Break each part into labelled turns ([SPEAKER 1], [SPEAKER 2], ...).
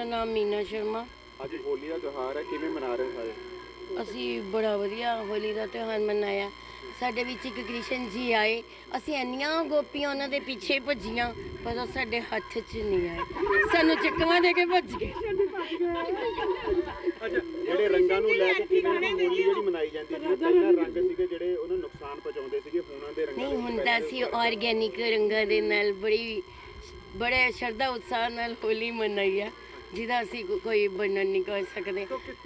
[SPEAKER 1] ਮੇਰਾ ਨਾਮ ਮੀਨਾ ਸ਼ਰਮਾ।
[SPEAKER 2] ਅੱਜ ਹੋਲੀ ਦਾ ਤਿਉਹਾਰ ਹੈ, ਕਿਵੇਂ ਮਨਾ ਰਹੇ ਸਾਰੇ?
[SPEAKER 1] ਅਸੀਂ ਬੜਾ ਵਧੀਆ ਹੋਲੀ ਦਾ ਤਿਉਹਾਰ ਮਨਾਇਆ। ਸਾਡੇ ਵਿੱਚ ਇੱਕ ਕ੍ਰਿਸ਼ਨ ਜੀ ਆਏ, ਅਸੀਂ ਇੰਨੀਆਂ ਗੋਪੀਆਂ ਉਹਨਾਂ ਦੇ ਪਿੱਛੇ ਭੱਜੀਆਂ, ਪਰ ਉਹ ਸਾਡੇ ਹੱਥ 'ਚ ਨਹੀਂ ਆਏ, ਸਾਨੂੰ ਚੱਕਵਾਂ ਦੇ ਕੇ ਭੱਜ ਗਏ।
[SPEAKER 2] ਜਿਹੜੇ ਰੰਗਾਂ ਨੂੰ ਲੈ ਕੇ ਕਿਵੇਂ ਹੋਲੀ ਜਿਹੜੀ ਮਨਾਈ ਜਾਂਦੀ ਹੈ, ਪਹਿਲਾਂ ਰੰਗ ਸੀਗੇ ਜਿਹੜੇ ਉਹਨੂੰ ਨੁਕਸਾਨ ਪਹੁੰਚਾਉਂਦੇ ਸੀਗੇ, ਹੁਣ ਦੇ ਰੰਗਾਂ
[SPEAKER 1] ਨਹੀਂ, ਹੁੰਦਾ ਸੀ ਆਰਗੈਨਿਕ ਰੰਗਾਂ ਦੇ ਨਾਲ ਬੜੇ ਸ਼ਰਧਾ ਉਤਸ਼ਾਹ ਨਾਲ ਹੋਲੀ ਮਨਾਈ ਆ, ਜਿਹਦਾ ਅਸੀਂ ਕੋਈ ਵਰਣਨ ਨਹੀਂ ਕਰ ਸਕਦੇ।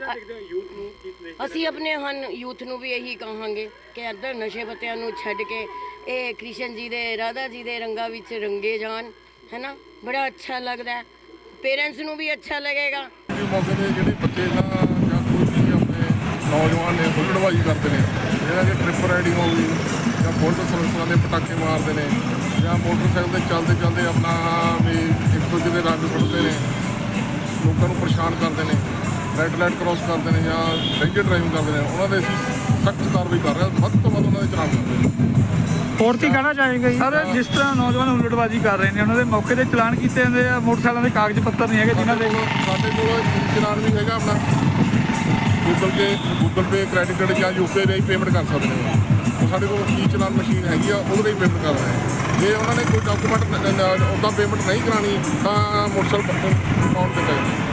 [SPEAKER 1] ਅਸੀਂ ਆਪਣੇ ਯੂਥ ਨੂੰ ਵੀ ਇਹੀ ਕਹਾਂਗੇ ਕਿ ਇੱਧਰ ਨਸ਼ੇ ਪੱਤਿਆਂ ਨੂੰ ਛੱਡ ਕੇ ਇਹ ਕ੍ਰਿਸ਼ਨ ਜੀ ਦੇ, ਰਾਧਾ ਜੀ ਦੇ ਰੰਗਾਂ ਵਿੱਚ ਰੰਗੇ ਜਾਣ, ਹੈ ਨਾ। ਬੜਾ ਅੱਛਾ ਲੱਗਦਾ, ਪੇਰੈਂਟਸ ਨੂੰ ਵੀ ਅੱਛਾ ਲੱਗੇਗਾ।
[SPEAKER 3] ਮੌਕੇ 'ਤੇ ਜਿਹੜੇ ਬੱਚੇ ਨਾ ਜਾਂ ਕੋਈ ਵੀ ਆਪਣੇ ਨੌਜਵਾਨ ਨੇ ਹੁੱਲੜਬਾਜ਼ੀ ਕਰਦੇ ਨੇ, ਜਿਹੜਾ ਕਿ ਟ੍ਰਿਪ ਰਾਈਡਿੰਗ ਹੋ ਗਈ ਜਾਂ ਬੁਲਟ ਸਰਵਿਸਾਂ ਦੇ ਪਟਾਕੇ ਮਾਰਦੇ ਨੇ ਜਾਂ ਮੋਟਰਸਾਈਕਲ 'ਤੇ ਚੱਲਦੇ ਆਪਣਾ ਵੀ ਇੱਕ ਦੂਜੇ ਦੇ ਰੰਗ ਸੁੱਟਦੇ ਨੇ, ਲੋਕਾਂ ਨੂੰ ਪਰੇਸ਼ਾਨ ਕਰਦੇ ਨੇ, ਰੈੱਡ ਲਾਈਟ ਕ੍ਰੋਸ ਕਰਦੇ ਨੇ ਜਾਂ ਡਰਿੰਕ ਡਰਾਈਵਿੰਗ ਕਰਦੇ ਨੇ, ਉਹਨਾਂ ਦੇ ਅਸੀਂ ਸਖਤ ਕਾਰਵਾਈ ਕਰ ਰਹੇ ਹਾਂ। ਵੱਧ ਤੋਂ ਵੱਧ ਉਹਨਾਂ ਦੇ ਚਲਾਨ ਕਰਦੇ ਨੇ।
[SPEAKER 4] ਹੋਰ ਕੀ ਕਹਿਣਾ ਚਾਹੇਗਾ ਜੀ? ਸਰ, ਜਿਸ ਤਰ੍ਹਾਂ ਨੌਜਵਾਨ ਹੁੱਲੜਬਾਜ਼ੀ ਕਰ ਰਹੇ ਨੇ, ਉਹਨਾਂ ਦੇ ਮੌਕੇ 'ਤੇ ਚਲਾਨ ਕੀਤੇ ਜਾਂਦੇ ਆ, ਮੋਟਰਸਾਈਕਲਾਂ ਦੇ ਕਾਗਜ਼ ਪੱਤਰ ਨਹੀਂ ਹੈਗੇ ਜਿਨ੍ਹਾਂ ਦੇ।
[SPEAKER 3] ਸਾਡੇ ਕੋਲ ਚਲਾਨ ਵੀ ਹੈਗਾ ਆਪਣਾ, ਗੂਗਲ ਪੇ ਕ੍ਰੈਡਿਟ ਕਾਰਡ ਜਾਂ UPI ਰਾਹੀਂ ਪੇਮੈਂਟ ਕਰ ਸਕਦੇ ਨੇ। ਸਾਡੇ ਕੋਲ ਚਲਾਨ ਮਸ਼ੀਨ ਹੈਗੀ ਆ, ਉਹਦੇ ਰਾਹੀਂ ਪੇਮੈਂਟ ਕਰ ਰਹੇ ਹਾਂ। ਜੇ ਉਹਨਾਂ ਨੇ ਕੋਈ ਡਾਕੂਮੈਂਟ ਉੱਦਾਂ ਪੇਮੈਂਟ ਨਹੀਂ ਕਰਾਉਣੀ ਤਾਂ ਮੋਟਰਸਾਈਕਲ ਪਾਉਣ ਤੇ